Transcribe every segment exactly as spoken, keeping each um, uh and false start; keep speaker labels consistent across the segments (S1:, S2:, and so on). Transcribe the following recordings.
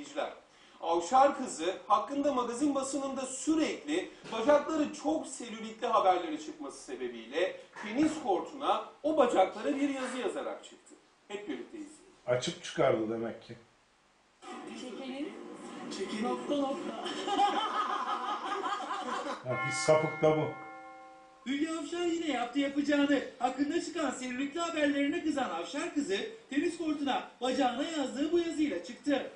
S1: seyirciler. Avşar kızı hakkında magazin basınında sürekli bacakları çok selülitli haberleri çıkması sebebiyle tenis kortuna o bacaklara bir yazı yazarak çıktı. Hep birlikte izleyelim.
S2: Açık çıkardı demek ki.
S3: Çekenin.
S1: Çekenin.
S3: Nokta nokta.
S2: Ya bir sapık da bu.
S4: Hülya Avşar yine yaptı yapacağını. Hakkında çıkan selülitli haberlerine kızan Avşar kızı tenis kortuna bacağına yazdığı bu yazıyla çıktı.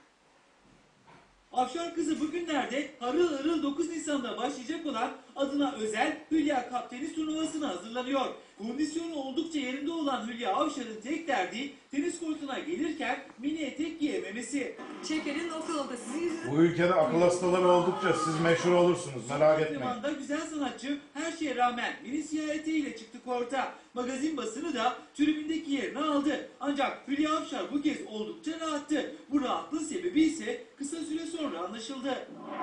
S4: Avşar kızı bugünlerde harıl harıl dokuz Nisan'da başlayacak olan adına özel Hülya Cup tenis turnuvasına hazırlanıyor. Kondisyonu oldukça yerinde olan Hülya Avşar'ın tek derdi tenis kortuna gelirken mini etek giyememesi.
S3: Çekenin nokta nokta. Sizin yüzünüzden.
S2: Bu ülkede akıl hastaları oldukça siz meşhur olursunuz, merak etmeyin.
S4: Antrenmanda güzel sanatçı her şeye rağmen mini siyah eteğiyle çıktı korta. Magazin basını da tribündeki yerini aldı. Ancak Hülya Avşar bu kez oldukça rahattı. Bu rahatlığın sebebi ise kısa süre sonra anlaşıldı.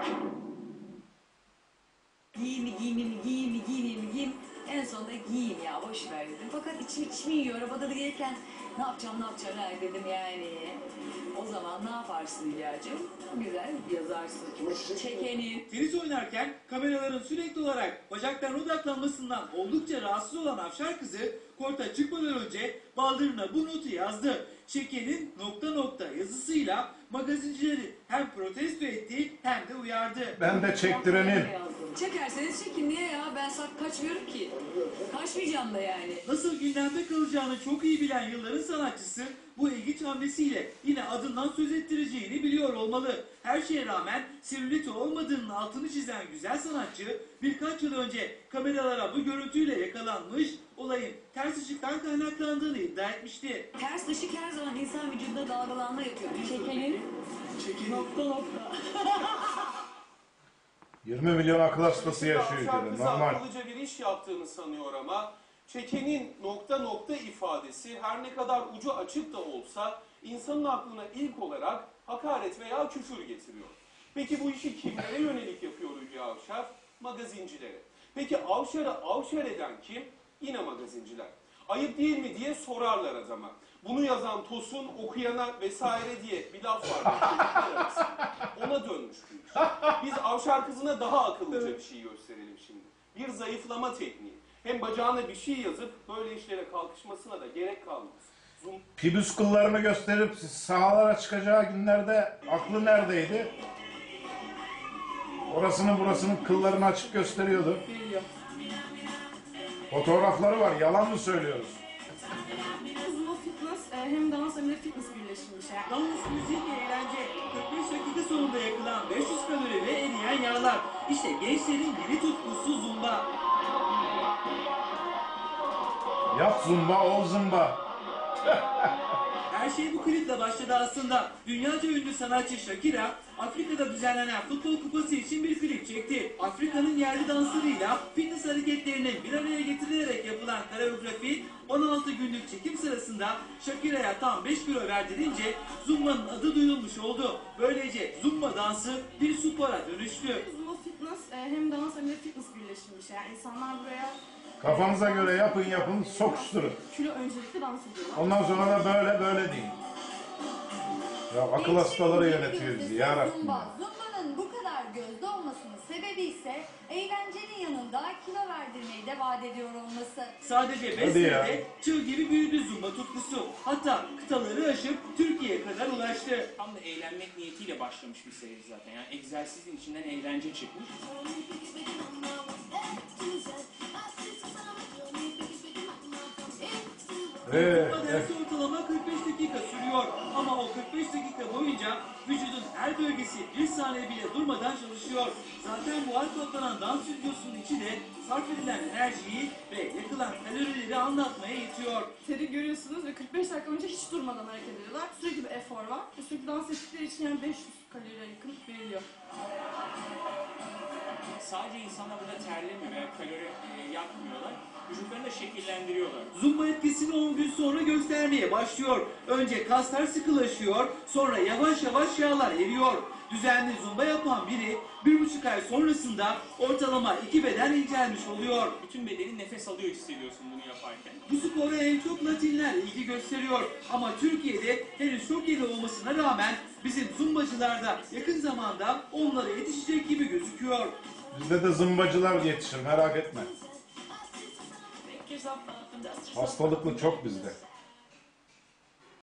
S3: Giyimi giyimi giyimi giyimi giyim. En sonunda giyeyim ya boş ver dedim. Fakat içim içimi yiyor. Arabada da gelirken ne yapacağım ne yapacağım ha dedim yani. O zaman ne yaparsın Hülya'cığım? Güzel yazarsın. Çekenin.
S4: Tenis oynarken kameraların sürekli olarak bacaklarına odaklanmasından oldukça rahatsız olan Avşar kızı korta çıkmadan önce baldırına bu notu yazdı. Çekenin nokta nokta yazısıyla magazincileri hem protesto etti hem de uyardı.
S2: Ben de çektirenim.
S3: Çekerseniz çekin niye ya? Ben sak kaçmıyorum ki. Kaçmayacağım da yani.
S4: Nasıl gündemde kalacağını çok iyi bilen yılların sanatçısı bu ilginç hamlesiyle yine adından söz ettireceğini biliyor olmalı. Her şeye rağmen selüliti olmadığının altını çizen güzel sanatçı birkaç yıl önce kameralara bu görüntüyle yakalanmış, olayın ters ışıktan kaynaklandığını iddia etmişti.
S3: Ters ışık her zaman insan vücudunda dalgalanma yapıyor. Çekenin. Çekenin. Nokta nokta.
S2: yirmi milyon akıl hastası yaşıyor
S1: Avşar
S2: ülkede,
S1: kızı
S2: normal.
S1: akıllıca bir iş yaptığını sanıyor ama çekenin nokta nokta ifadesi her ne kadar ucu açık da olsa insanın aklına ilk olarak hakaret veya küfür getiriyor. Peki bu işi kimlere yönelik yapıyor Hülya Avşar? Magazincilere. Peki Avşar'ı Avşar eden kim? Yine magazinciler. Ayıp değil mi diye sorarlar adama. Bunu yazan Tosun okuyana vesaire diye bir laf var. Ona dönmüş bu iş. Biz Avşar kızına daha akıllıca bir şey gösterelim şimdi. Bir zayıflama tekniği. Hem bacağına bir şey yazıp böyle işlere kalkışmasına da gerek kalmaz. Zoom.
S2: Pibüs kıllarını gösterip sahalara çıkacağı günlerde aklı neredeydi? Orasının burasının kıllarını açık gösteriyordu.
S3: Biliyor.
S2: Fotoğrafları var, yalan mı söylüyoruz?
S5: Zumba fitness e, hem dans hem de fitness birleşmiş. Yani.
S4: Dans, müzik, eğlence, kırk beş dakika sonunda yakılan beş yüz kalori ve eriyen yağlar. İşte gençlerin yeni tutkusu zumba.
S2: Yap zumba, ol zumba.
S4: Her şey bu kliple başladı aslında. Dünyaca ünlü sanatçı Shakira, Afrika'da düzenlenen futbol kupası için bir klip çekti. Afrika'nın yerli danslarıyla fitness hareketlerinin bir araya getirilerek yapılan koreografi on altı günlük çekim sırasında Shakira'ya tam beş kilo verdirince Zumba'nın adı duyulmuş oldu. Böylece Zumba dansı bir spora dönüştü.
S5: Zumba fitness e, hem dans hem de fitness birleşmiş. Yani insanlar buraya
S2: Kafanıza göre yapın yapın, sokuşturun.
S5: kilo öncelikli dans ediyorlar.
S2: Ondan sonra da böyle böyle deyin. Ya akıl hastaları yönetiyor bizi yarabbim.
S6: Zumba. Zumba'nın bu kadar gözde olmasının sebebi ise eğlencenin yanında kilo verdirmeyi de vaat ediyor olması.
S4: Sadece beş
S2: Hadi ya.
S4: senede çığ gibi büyüdü Zumba tutkusu. Hatta kıtaları aşıp Türkiye'ye kadar ulaştı.
S7: Tam da eğlenmek niyetiyle başlamış bir seri zaten. Yani egzersizin içinden eğlence çıkmış.
S2: Ee,
S4: Zumba dersi ortalama kırk beş dakika sürüyor. Ama o kırk beş dakika boyunca vücudun her bölgesi bir saniye bile durmadan çalışıyor. Zaten bu her toplanan dans stüdyosunun içi de sarf edilen enerjiyi ve yakılan kalorileri anlatmaya yetiyor.
S5: Teri görüyorsunuz ve kırk beş dakika boyunca hiç durmadan hareket ediyorlar. Sürekli bir efor var. Ve sürekli dans ettikleri için yani beş yüz kaloriye yakın veriliyor.
S7: Sadece insanlar burada terlemiyor veya kalori e, yakmıyorlar. Vücutlarını da şekillendiriyorlar.
S4: Zumba etkisini on gün sonra göstermeye başlıyor. Önce kaslar sıkılaşıyor, sonra yavaş yavaş yağlar eriyor. Düzenli zumba yapan biri bir buçuk ay sonrasında ortalama iki beden incelmiş oluyor.
S7: Bütün bedenin nefes alıyor hissediyorsun bunu yaparken.
S4: Bu spora en çok Latinler ilgi gösteriyor. Ama Türkiye'de henüz çok yeni olmasına rağmen bizim zumba zımbacılar da yakın zamanda onlara yetişecek gibi gözüküyor.
S2: Bizde de zımbacılar yetişir, merak etme. Hastalıklı çok bizde.